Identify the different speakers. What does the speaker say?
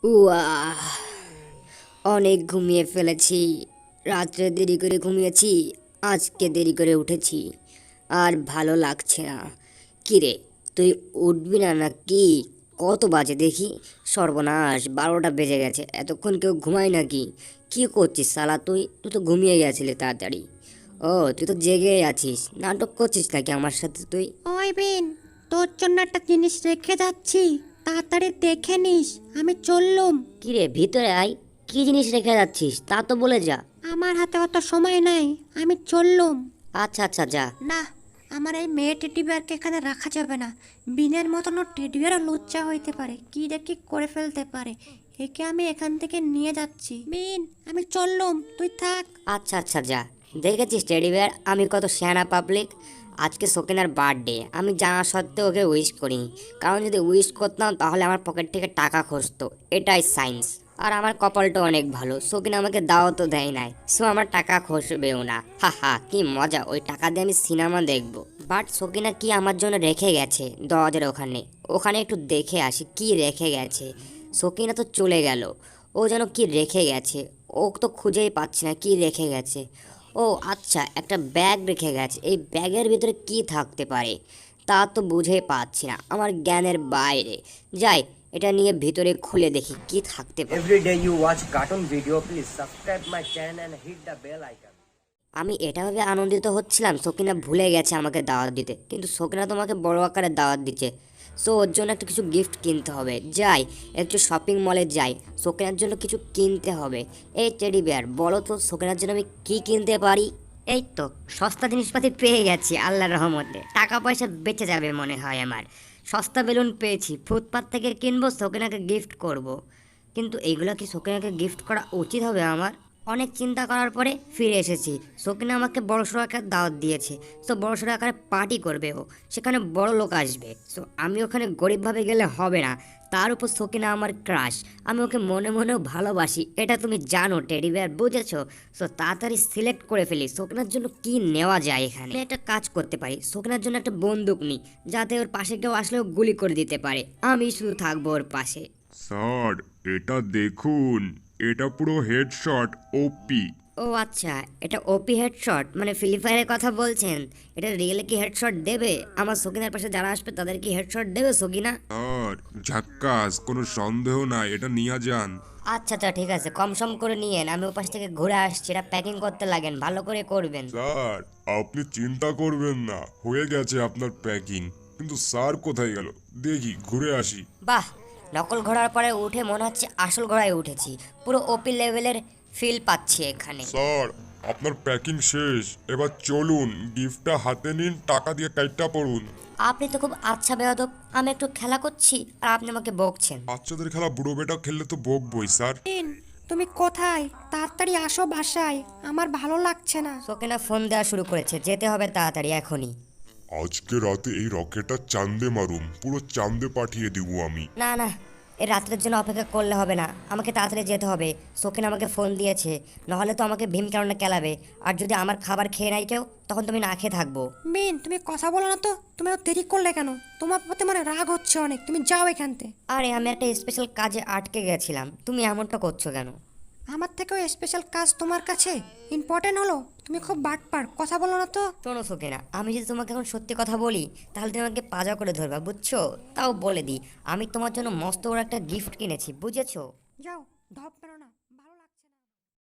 Speaker 1: উয়াহ, অনেক ঘুমিয়ে ফেলেছি। রাত্রে দেরি করে ঘুমিয়েছি, আজকে দেরি করে উঠেছি। আর ভালো লাগছে না। কিরে, তুই উঠবি না নাকি? কত বাজে দেখি? সর্বনাশ, 12টা বেজে গেছে। এতক্ষণ কেউ ঘুমায় নাকি? কি করছিস শালা? তুই তুই তো ঘুমিয়ে গেছিলি তাড়াতাড়ি। ও, তুই তো জেগে আছিস, নাটক করছিস নাকি আমার সাথে তুই?
Speaker 2: ওই বিন, তোর জন্য একটা জিনিস রেখে যাচ্ছি, তাড়াতাড়ি দেখে নিস। আমি চললুম।
Speaker 1: কিরে, ভিতরে আয়। কি জিনিস রেখে যাচ্ছিস তা তো বলে যা।
Speaker 2: আমার হাতে অত সময় নাই, আমি চললুম।
Speaker 1: আচ্ছা আচ্ছা, যা।
Speaker 2: না, আমার এই মেয়ে টেডি বিয়ারকে এখানে রাখা যাবে না। বিনের মতন ও টেডি বিয়ারও লজ্জা হইতে পারে, কি দেখি করে ফেলতে পারে। একে আমি এখান থেকে নিয়ে যাচ্ছি। বিন, আমি চললুম, তুই থাক।
Speaker 1: আচ্ছা আচ্ছা, যা। দেখেছিস টেডি বিয়ার, আমি কত সেয়ানা পাবলিক। আজকে সকিনার বার্থডে, আমি জানা সত্ত্বেও ওকে উইশ করিনি। কারণ যদি উইশ করতাম তাহলে আমার পকেট থেকে টাকা খসতো। এটাই সায়েন্স। আর আমার কপালটা অনেক ভালো, সকিনা আমাকে দাওয়াতও দেয় নাই, সো আমার টাকা খসবেও না। হা হা, কি মজা! ওই টাকা দিয়ে আমি সিনেমা দেখবো। বাট সকিনা কি আমার জন্য রেখে গেছে দরজার ওখানে? ওখানে একটু দেখে আসি কি রেখে গেছে। সকিনা তো চলে গেল, ও যেন কি রেখে গেছে। ও তো খুঁজেই পাচ্ছি না কি রেখে গেছে। ও আচ্ছা, একটা ব্যাগ রেখে গেছে। এই ব্যাগের ভিতরে কি থাকতে পারে তা তো বুঝেই পাচ্ছি না, আমার জ্ঞানের বাইরে। যাই, এটা নিয়ে ভিতরে খুলে দেখি কি থাকতে পারে।
Speaker 3: Every day you watch cartoon video, please subscribe my channel and hit the bell icon.
Speaker 1: আমি এটা ভেবে আনন্দিত হচ্ছিলাম সকিনা ভুলে গেছে আমাকে দাওয়াত দিতে, কিন্তু সকিনা তোমাকে বড় আকারে দাওয়াত দিচ্ছে। সো ওর জন্য একটা কিছু গিফট কিনতে হবে। যাই, একটু শপিং মলে যাই, সকিনার জন্য কিছু কিনতে হবে। এই টেডি বিয়ার, বলো তো সকিনার জন্য আমি কি কিনতে পারি? এই তো সস্তা জিনিসপাতি পেয়ে গেছি আল্লাহর রহমতে। টাকা পয়সা বেঁচে যাবে মনে হয় আমার। সস্তা বেলুন পেয়েছি, ফুটপাত থেকে কিনবো, সকিনাকে গিফট করব। কিন্তু এইগুলো কি সকিনাকে গিফট করা উচিত হবে আমার? অনেক চিন্তা করার পরে ফিরে এসেছি। সকিনা আমাকে বড়সড় আকারে দাওয়াত দিয়েছে। সো বড়সড় আকারে পার্টি করবে ও, সেখানে বড় লোক আসবে। সো আমি ওখানে গরিবভাবে গেলে হবে না। তার উপর সকিনা আমার ক্রাশ, আমি ওকে মনে মনেও ভালোবাসি, এটা তুমি জানো টেডি বিয়ার, বুঝেছো? সো তাড়াতাড়ি সিলেক্ট করে ফেলি সকিনার জন্য কি নেওয়া যায়। এখানে আমি একটা কাজ করতে পারি, সকিনার জন্য একটা বন্দুক নিই, যাতে ওর পাশে কেউ আসলেও গুলি করে দিতে পারে, আমি শুধু থাকবো ওর পাশে।
Speaker 4: স্যার, এটা দেখুন, এটা পুরো হেডশট ওপি।
Speaker 1: ও আচ্ছা, এটা ওপি হেডশট মানে ফ্রি ফায়ারের কথা বলছেন? এটা রিয়েলে কি হেডশট দেবে? আমার সকিনার পাশে যারা আসবে তাদের কি হেডশট দেবে সকিনা?
Speaker 4: স্যার, ঝাক্কাস, কোনো সন্দেহ নাই, এটা নিয়ে যান।
Speaker 1: আচ্ছা আচ্ছা, ঠিক আছে, কম সম করে নিয়েন, আমি ও পাশ থেকে ঘুরে আসছি। এটা প্যাকিং করতে লাগেন, ভালো করে করবেন।
Speaker 4: স্যার, আপনি চিন্তা করবেন না, হয়ে গেছে আপনার প্যাকিং। কিন্তু স্যার কোথায় গেল? দেখি ঘুরে আসি।
Speaker 1: বাহ, নকল ঘোড়ার পরে উঠে মনে হচ্ছে আসল ঘোড়ায় উঠেছি। পুরো ওপি লেভেলের ফিল পাচ্ছি এখানে।
Speaker 4: স্যার, আপনার প্যাকিং শেষ, এবার চলুন, গিফটটা হাতে নিন, টাকা দিয়ে কাইটটা পড়ুন।
Speaker 1: আপনি তো খুব আচ্ছা বেয়াদব, আমি একটু খেলা করছি আর আপনি আমাকে বকছেন।
Speaker 4: বাচ্চাদের খেলা বুড়ো বেটা খেললে তো বকবই স্যার।
Speaker 2: বিন, তুমি কোথায়? তাড়াতাড়ি আসো বাসায়, আমার ভালো লাগছে না।
Speaker 1: সকিনা ফোন দেওয়া শুরু করেছে, যেতে হবে তাড়াতাড়ি এখনই।
Speaker 4: আজকে রাতে এই রকেটটা চাঁদে মারুম, পুরো চাঁদে পাঠিয়ে দিব আমি।
Speaker 1: না না, এই রাত্রের জন্য অপেক্ষা করলে হবে না, আমাকে তাড়াতাড়ি যেতে হবে। সকিন আমাকে ফোন দিয়েছে, নাহলে তো আমাকে ভীম কারণে কেলাবে। আর যদি আমার খাবার খেয়ে নাই কেউ, তখন তুমি না খেয়ে থাকবো।
Speaker 2: বিন, তুমি কথা বলো না তো, তুমি এত দেরি করলে কেন? তোমার প্রতি মানে রাগ হচ্ছে অনেক, তুমি যাও এখান থেকে।
Speaker 1: আরে আমি একটা স্পেশাল কাজে আটকে গেছিলাম, তুমি এমনটা করছো কেন?
Speaker 2: আমার থেকেও স্পেশাল কাজ তোমার কাছে ইম্পর্টেন্ট হলো? তুমি খুব বাটপার, কথা বলো না তো।
Speaker 1: শোনো সকিনা, আমি যদি তোমাকে এখন সত্যি কথা বলি তাহলে তুমি আমাকে পাজা করে ধরবা, বুঝছো? তাও বলে দিই, আমি তোমার জন্য মস্ত বড় একটা গিফট কিনেছি, বুঝেছো?
Speaker 2: যাও, ধপ পেরো না, ভালো লাগছে না।